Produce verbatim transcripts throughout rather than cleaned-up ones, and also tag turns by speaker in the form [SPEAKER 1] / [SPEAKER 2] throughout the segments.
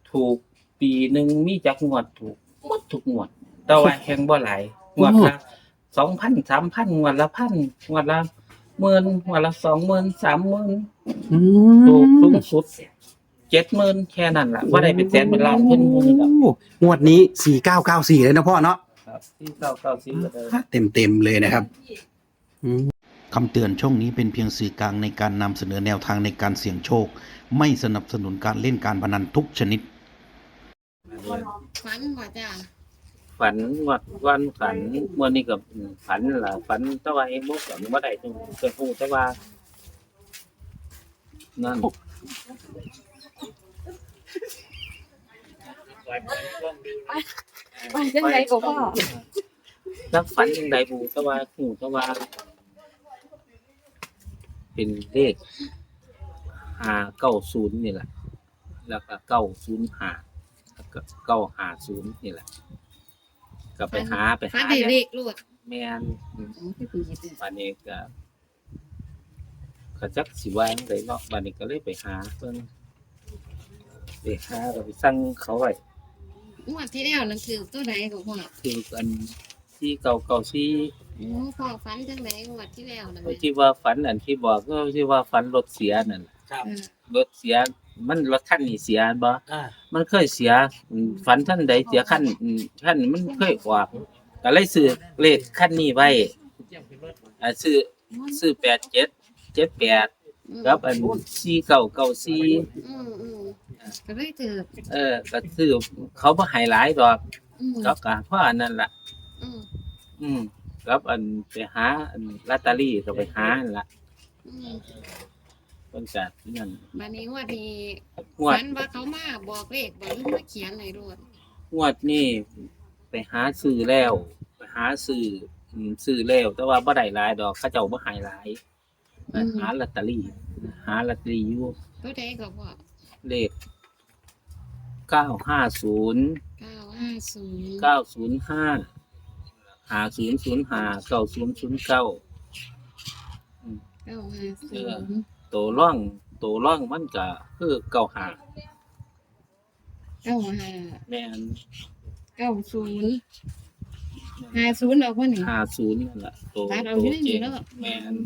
[SPEAKER 1] ถูกปีหนึ่งมีจักงวดถูกหมดทุกงวด แต่ว่าแฮ่งบ่หลายงวดละสองพัน สามพันงวดละพันงวดละหมื่นงวดละสองหมื่น สามหมื่น
[SPEAKER 2] อื
[SPEAKER 1] ถูกสูง
[SPEAKER 2] ม
[SPEAKER 1] สุด เจ็ดหมื่น แค่นั้นล่ะบ่ได้เป็นแสนเป็นล้านเพิ่นบ่มีดอก
[SPEAKER 2] โอ้งวดนี้สี่เก้าเก้าสี่เลยนะพ่อเนาะ
[SPEAKER 1] ครับที่เก้าเก้าสิบก็ได้
[SPEAKER 2] เต็มเต็มๆเลยนะครับอืม
[SPEAKER 3] คำเตือนช่องนี้เป็นเพียงสื่อกลางในการนำเสนอแนวทางในการเสี่ยงโชค ไม่สนับสนุนการเล่นการพนันทุกชนิด
[SPEAKER 4] ฝันบ่จ้า
[SPEAKER 1] ฝันงวดวันฝันมื้อนี้ก็ฝันล่ะฝันแต่ว่าเองบ่ฝันบ่ได้จังเคยฮู้แต่ว่านั่น
[SPEAKER 4] ฝันจังได๋ก็พ่อ
[SPEAKER 1] จักฝันจังใดบ่แต่ว่าฮู้แต่ว่าเป็นเลขห้าเก้าศูนย์นี่แหละแล้วก็เก้าศูนย์ห้าแล้วก็เก้าห้าศูนย์นี่แหละก็ไปหาไป
[SPEAKER 4] ฝัน
[SPEAKER 1] หา
[SPEAKER 4] ได้เลขโลด
[SPEAKER 1] แม่นอืม
[SPEAKER 4] อ๋อคือคือ
[SPEAKER 1] บัดนี้ก็ก็จักสิว่าจั่งใดเนาะบัดนี้ก็เลยไปหาเพิ่นไปหาก็ไปสั่งเขาไว้
[SPEAKER 4] งวดที่แล้วนั่นคือตัวใดก็พ่อ
[SPEAKER 1] คืออันที่เก่าเก่าที่
[SPEAKER 4] โอ้พ่อฝันจังได๋งวดที่แล้วนั่น
[SPEAKER 1] ที่ว่าฝันอันที่บอกก็ที่ว่าฝันรถเสียนั่น
[SPEAKER 2] ครับ
[SPEAKER 4] เออ
[SPEAKER 1] รถเสียมันรถคันนี้เสียบ่
[SPEAKER 2] อ่า
[SPEAKER 1] มันเคยเสียอืมฝันท่านใดเสียคันอืมคันมันเคยออกก็เลยซื้อเลขคันนี้ไว้อ่าซื้อซื้อแปดเจ็ด เจ็ดแปดกับอันสี่เก้าเก้าสี่
[SPEAKER 4] อืมอืมก็เลยถือ
[SPEAKER 1] เออก็ซื้อเขาบ่ให้หลายดอก
[SPEAKER 4] อืม
[SPEAKER 1] เขาก็เพราะอันนั้นล่ะ
[SPEAKER 4] อืม
[SPEAKER 1] อืมกับอันไปหาอันลอตเตอรี่ก็ไปหานั่นล่ะ
[SPEAKER 4] อืม
[SPEAKER 1] เพิ่นก็นั่น
[SPEAKER 4] บัดนี้งวดนี้
[SPEAKER 1] งวด
[SPEAKER 4] ฝันว่าเขามาบอกเลขบอกหรือมาเขียนให้โลด
[SPEAKER 1] งวดนี้ไปหาซื้อแล้ว ไปหาซื้ออืมซื้อแล้ว แต่ว่าบ่ได้หลายดอกเขาเจ้าบ่ให้หลายไปหาลอตเตอรี่หาลอตเตอรี่อยู่
[SPEAKER 4] ตัวใดก็พ่อ
[SPEAKER 1] เลขเก้าห้าศูนย์
[SPEAKER 4] เก้าห้าศูนย์
[SPEAKER 1] เก้าศูนย์ห้า ห้าศูนย์ศูนย์ห้า เก้าศูนย์ศูนย์เก้า
[SPEAKER 4] เก้าห้าศูนย์
[SPEAKER 1] ตัวร่องตัวร่องมันก็คือเก้าห้า
[SPEAKER 4] เก้าห้า
[SPEAKER 1] แม่น
[SPEAKER 4] เก้าศูนย์ห้าศูนย์เอาพ่อนี่
[SPEAKER 1] ห้าศูนย์นั่นล่ะตัว
[SPEAKER 4] ตัดเอา
[SPEAKER 1] ตั
[SPEAKER 4] อยู่
[SPEAKER 1] ว
[SPEAKER 4] ใน
[SPEAKER 1] เจ
[SPEAKER 4] นี้
[SPEAKER 1] ง
[SPEAKER 4] แล้ว
[SPEAKER 1] แม่น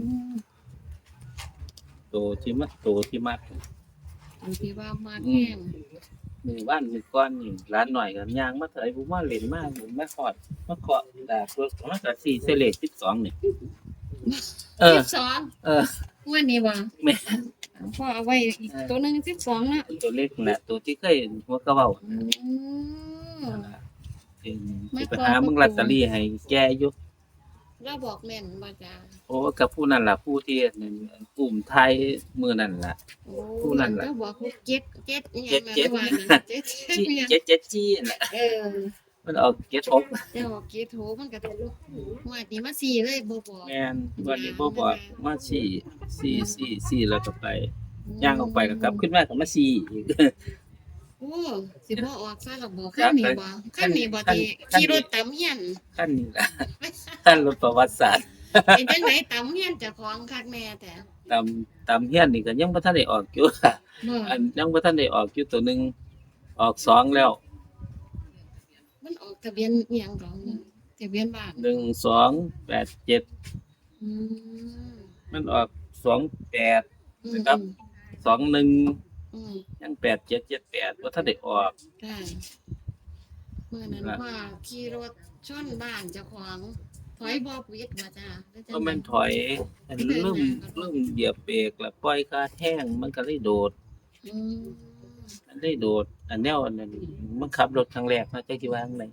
[SPEAKER 1] ตัวที่มัดตัวที่มัด
[SPEAKER 4] อันที่ว่ามาแห้ง
[SPEAKER 1] มือบ้านมือก้อนนี่ร้านหน่อยกันย่างมาเถอะผมว่าเล่นมากผมมาขอดมาขอดแต่ตัวมันก็สี่เซเลสิบสองนี่เออ
[SPEAKER 4] สิบสอง
[SPEAKER 1] เออ
[SPEAKER 4] วันนี้บ่
[SPEAKER 1] แม่
[SPEAKER 4] พ่อเอาไว้อีกตัวหนึงสิบสองนะ
[SPEAKER 1] ตัวเล็กแหละตัวที่เคยหัวกระเบ้า
[SPEAKER 4] อืม
[SPEAKER 1] เองสิไปหามึงลอตเตอรี่ให้แกอยู่
[SPEAKER 4] เราบอกแม่นบ่จ้า
[SPEAKER 1] โอ้กับผู้นั่นล่ะผู้ที่กลุ่มไทยมือนั่นล่ะ
[SPEAKER 4] โอ้
[SPEAKER 1] ผู้นั้นล่ะ
[SPEAKER 4] เราบอกว่าเจ็ดเจ็ดอีห
[SPEAKER 1] เจ็
[SPEAKER 4] ยั
[SPEAKER 1] ด
[SPEAKER 4] ง
[SPEAKER 1] เจ็ด
[SPEAKER 4] ล่ะว่าน่ะเจ็ดเจ็ด
[SPEAKER 1] จี้
[SPEAKER 4] อีหยัง
[SPEAKER 1] เจ็ดเจ็ดจี้นั่นแหละ
[SPEAKER 4] เออ
[SPEAKER 1] มันออกเจ็ดหก
[SPEAKER 4] เจ้าเกตโหมันก็ถูกว่านี่มาสี่เลยบ่บอก
[SPEAKER 1] แม่นวันนี้บ่บอกมาสี่สี่สี่สี่แล้วก็ไปย่างออกไปก็กลับขึ้นมาก็มาสี่อีก
[SPEAKER 4] โอ้สิบ่ออกซะหรอกบ่คันนี้บ่คันนี้บ่ที่ขี่รถตำเฮียน
[SPEAKER 1] ขั้นนี้ล่ะขั้นรถประวัติศาสตร์
[SPEAKER 4] เป็นจังไดตำเฮียนเจ้าของคักแม่แต่
[SPEAKER 1] ตามตามเฮียนนี่ก็ยังบ่ทันได้ออกอยู่
[SPEAKER 4] บ่
[SPEAKER 1] อันยังบ่ทันได้ออกอยู่ตัวหนึงออกสองแล้ว
[SPEAKER 4] มันออกทะเบียนอีหยังดอกนี่ทะเบียนบ้าน
[SPEAKER 1] หนึ่ง สอง แปด เจ็ด
[SPEAKER 4] อืม
[SPEAKER 1] มันออกสองแปด
[SPEAKER 4] อืม
[SPEAKER 1] นะครับ สองหนึ่ง
[SPEAKER 4] อืม
[SPEAKER 1] ยังแปดเจ็ดเจ็ดแปดบ่ทันได้ออก
[SPEAKER 4] ค่ะเมื่อนั้นว่าขี่รถชนบ้านเจ้าของถอยบ่ปิดว่าจ้าหรือจัง
[SPEAKER 1] ก็
[SPEAKER 4] ใด
[SPEAKER 1] มันถอยอันลืมลืมเหยียบเบรกแล้วปล่อยคาแห้งมันก็เลยโดด
[SPEAKER 4] อืม
[SPEAKER 1] มันเลยโดด อันแนวอันนั้นมันขับรถครั้งแรกนะจักสิว่าจั่งใด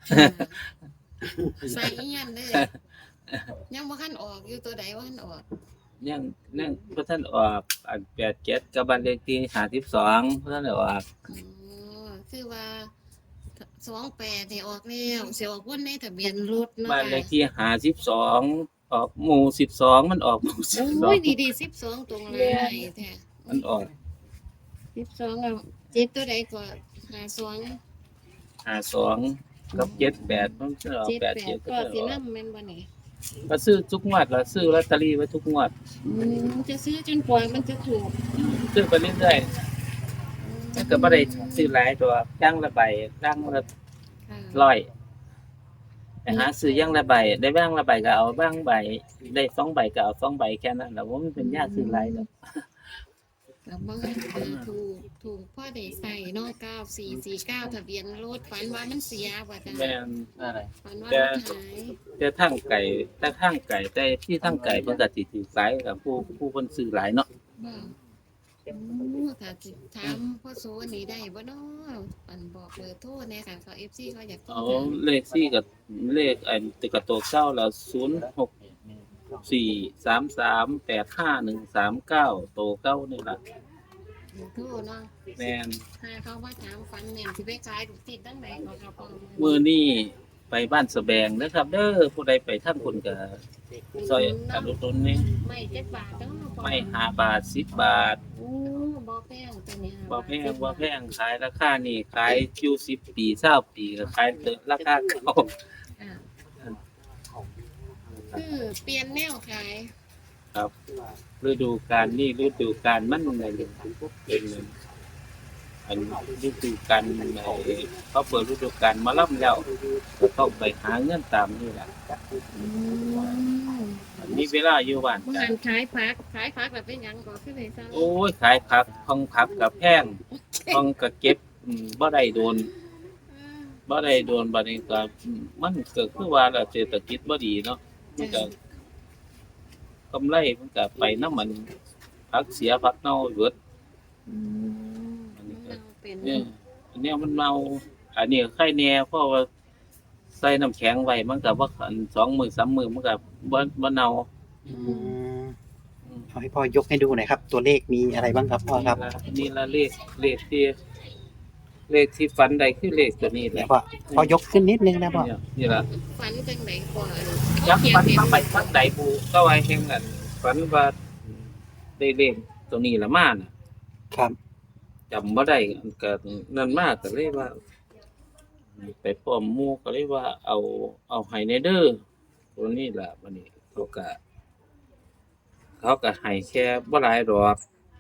[SPEAKER 4] ใส่อีหยังเด้อยังบ่คันออกอยู่ตัวใดว่าคันออก
[SPEAKER 1] ยังยังบ่ทันออกอันแปดเจ็ดกับบ้านเลขที่ห้าสิบสองบ่ทันได้ออก
[SPEAKER 4] อ๋อคือว่าสองแปดนี่ออกแล้วเสียออกบนในทะเบียนรถเนาะ
[SPEAKER 1] บ้านเลข
[SPEAKER 4] ค่ะ
[SPEAKER 1] ที่ห้าสิบสองออกหมู่สิบสองมันออกหมู่สิบสอ
[SPEAKER 4] โอ้
[SPEAKER 1] ง
[SPEAKER 4] ยดีดีสิบสองตรงเลยแท้
[SPEAKER 1] มันออก
[SPEAKER 4] สิบสองเอาเจ็ดตัวใดก็หาสอง
[SPEAKER 1] ห้าสองกับเจ็ดแปดมันจะออก
[SPEAKER 4] เจ็ด
[SPEAKER 1] แปด
[SPEAKER 4] แป
[SPEAKER 1] เจ็
[SPEAKER 4] ด
[SPEAKER 1] ด
[SPEAKER 4] ก็
[SPEAKER 1] ก็
[SPEAKER 4] สิ
[SPEAKER 1] ออก
[SPEAKER 4] นำแม่นบ่นี่
[SPEAKER 1] ก็ซื้อทุกงวดแล้วซื้อลอตเตอรี่ไว้ทุกงวด
[SPEAKER 4] อืมจะซื้อจนกว่ามันจะถูก
[SPEAKER 1] ซื้อไปเรื่อยๆมันก็บ่ได้ซื้อหลายตัวย่างละใบย่างละ
[SPEAKER 4] ค่ะ
[SPEAKER 1] ร้อยไปหาซื้อย่างละใบได้บ้างละใบก็เอาบ้างใบได้สองใบก็เอาสองใบแค่นั้นแหละว่ามันเป็นยากซื้อหลายดอก
[SPEAKER 4] แล้วบ่เออถูกถูกพ่อได้ใส่เนาะเก้าสี่สี่เก้าทะเบียนรถฝันว่ามันเสียบ่จ้ะ
[SPEAKER 1] แม่นอะไร
[SPEAKER 4] ฝันว่า
[SPEAKER 1] แต่
[SPEAKER 4] มันหาย
[SPEAKER 1] แต่ทางไก่แต่ทางไก่แต่ที่ทางไก่เพิ่นก็สิถือหลายกับผู้ผู้เพิ่นซื้อหลายเนาะ
[SPEAKER 4] บ่โอ้ถ้าสิถามพ่อโซนี่ได้บ่เนาะปันบอกเบอร์โทรแหน่ค่ะเขา เอฟ ซี เขาอยากโทร
[SPEAKER 1] เอา
[SPEAKER 4] ถาม
[SPEAKER 1] เลขสี่กับเลขไอ้ตึกกระโตกเก้าแล้วศูนย์หกสี่สามสามแปดห้าหนึ่งสามเก้าโตเก้านี่ล่ะ
[SPEAKER 4] เบอร์โทรเนาะ
[SPEAKER 1] แม่น
[SPEAKER 4] ถ้าเขาว่าถามฝันแม่นสิไปขายถูกติดตั้งใดเขาก็บ่
[SPEAKER 1] มื้อนี้ไปบ้านสะแบงนะครับ เด้อผู้ใดไปทางคุณก็ซอยอนุตุนนี่
[SPEAKER 4] ไม่เจ็ดบาทเนาะ
[SPEAKER 1] ไม่ห้าบาทสิบบาท
[SPEAKER 4] โอ้บ่แพงตัวนี้
[SPEAKER 1] บ่แพงบ่แพงขายราคานี่ขายอยู่สิบปีเก้าปีก็ขายเติราคาเก่า
[SPEAKER 4] อ่าคือเปลี่ยนแนวขาย
[SPEAKER 1] ครับฤดูกาลนี่ฤดูกาลมันอะไรเป็นอันฤดูกาลในเขาเปิดฤดูกาลมาล่ำแล้วก็ต้องไปหาเงินตามนี่แหละ
[SPEAKER 4] อืม
[SPEAKER 1] มีเวลาอยู่บ้าน
[SPEAKER 4] บ่
[SPEAKER 1] กั
[SPEAKER 4] หั
[SPEAKER 1] น
[SPEAKER 4] นขายผักขายผักแบบเป็นหยังก็คือได้ซะ
[SPEAKER 1] โอ้ยขายผักทองผักกับแพงทองกับเก็บอืมบ่ได้โดนบ่ได้โดนบัดนี้ก็อืมมันก็คือว่าแล้วเศรษฐกิจบ่ดีเนาะมันก็กำไรมันก็ไปนำมันผักเสียผักเน่าเบิด
[SPEAKER 4] อืมมันเอาเป็น
[SPEAKER 1] เนี่ยอันเนี้ยมันเมา อันนี้ไข่แหน่เพราะว่าใส่น้ำแข็งไว้มันก็บ่อันสองมื้อสามมื้อมันก็บ่บ่เน่า
[SPEAKER 2] อืมเอาให้พ่อยกให้ดูหน่อยครับ ตัวเลขมีอะไรบ้างครับพ่อครับ
[SPEAKER 1] นี่ละเลขเลขที่เลขที่ฝันใดคือเลขตัวนี้แห
[SPEAKER 2] เดี๋ย
[SPEAKER 1] ละ
[SPEAKER 2] วพ่อพ่อยกขึ้นนิดนึงนะพ่อ
[SPEAKER 1] เนี่ยนี่ล่ะ
[SPEAKER 4] ฝันจังได๋ก่อน
[SPEAKER 1] ยักษ์ฝันมาไปทางใดบูก็ไว้แห่งนั้นฝันว่าได้เลขตัวนี้ละมาน่ะ
[SPEAKER 2] ครับ
[SPEAKER 1] จำบ่ได้ก็นั่นมากก็เลยว่า ไปพร้อมหมู่ก็เลยว่า เอาเอาให้ในเด้อตัวนี้ล่ะบัดนี้เขาก็เขาก็ให้แค่บ่หลายดอก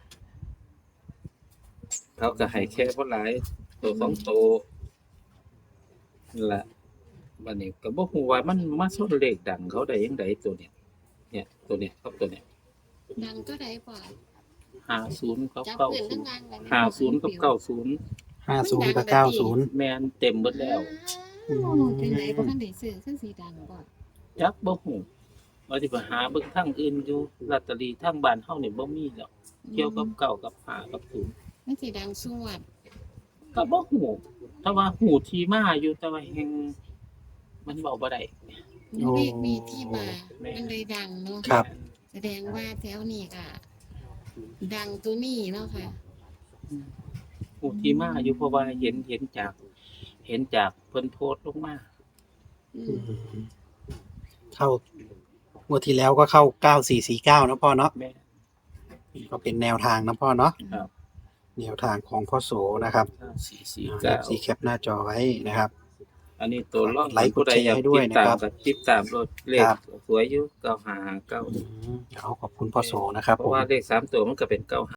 [SPEAKER 1] เขาก็ให้แค่บ่หลายตัวสองตัวนั่นล่ะบัดนี้ก็บ่ฮู้ว่ามันมาชนเลขดังเขาได้จังไดตัวเนี้ยเนี่ยตัวเนี้ยครับตัวเนี้ย
[SPEAKER 4] ดังก็ได้ป่ะ
[SPEAKER 1] ห้าสิบกับ
[SPEAKER 4] จับ
[SPEAKER 1] เก้า
[SPEAKER 4] ปืน
[SPEAKER 1] สิ
[SPEAKER 4] ทั้
[SPEAKER 1] บ
[SPEAKER 4] งงานเลย
[SPEAKER 1] ห้าสิบกับเก้าสิบ
[SPEAKER 2] ห้าศูนย์กับเก้าศูนย์
[SPEAKER 1] แม่นเต็มเบิดแล้ว
[SPEAKER 4] อ้าวจังไดบ่ทันได้ซื้อคือสีดังบ่
[SPEAKER 1] จักบ่ฮู้ว่าสิไปหาเบิ่งทางอื่นอยู่ลอตเตอรี่ทางบ้านเฮานี่บ่มีแล้วเกี่ยวกับเก้ากับห้ากับศูนย์
[SPEAKER 4] มันสิดังสวด
[SPEAKER 1] ก็บ่ฮู้แต่ว่าฮู้ที่มาอยู่แต่ว่าแฮงมันเว้าบ่ได้
[SPEAKER 4] เลขมีที่มามันเลยดังเนาะ
[SPEAKER 2] ครับ
[SPEAKER 4] แสดงว่าแถวนี้ก็ดังตัวนี้เนาะค่ะ
[SPEAKER 1] ฮู้ที่มาอยู่เพราะว่าเห็นเห็นจาก เห็นจากเพิ่นโพสต์ลงมา
[SPEAKER 4] อื
[SPEAKER 2] อื
[SPEAKER 4] ม
[SPEAKER 2] มเข้างวดที่แล้วก็เข้าเก้าสี่สี่เก้านะพ่อเนาะ
[SPEAKER 1] แม่
[SPEAKER 2] ก็เป็นแนวทางนะพ่อเนาะ
[SPEAKER 1] ครับ
[SPEAKER 2] แนวทางของพ่อโสนะครับ
[SPEAKER 1] สี่สี่
[SPEAKER 2] อ่า
[SPEAKER 1] เก้า
[SPEAKER 2] สีแคปหน้าจอไว้นะครับ
[SPEAKER 1] อันนี้ตัวร่อง
[SPEAKER 2] ไลค์กด
[SPEAKER 1] ผู้ใดอยาก
[SPEAKER 2] แชร์ให้ด้วย
[SPEAKER 1] ติดตาม
[SPEAKER 2] นะครับ
[SPEAKER 1] ก็ติดตามรถเลข
[SPEAKER 2] ครับ
[SPEAKER 1] สวยอยู่เก้าห้าเก้า
[SPEAKER 2] อืมเดี๋ยวขอบคุณพ่อโสนะครับ
[SPEAKER 1] เพ
[SPEAKER 2] ผ
[SPEAKER 1] ราะ
[SPEAKER 2] ม
[SPEAKER 1] ว่าเลขสามตัวมันก็เป็นเก้า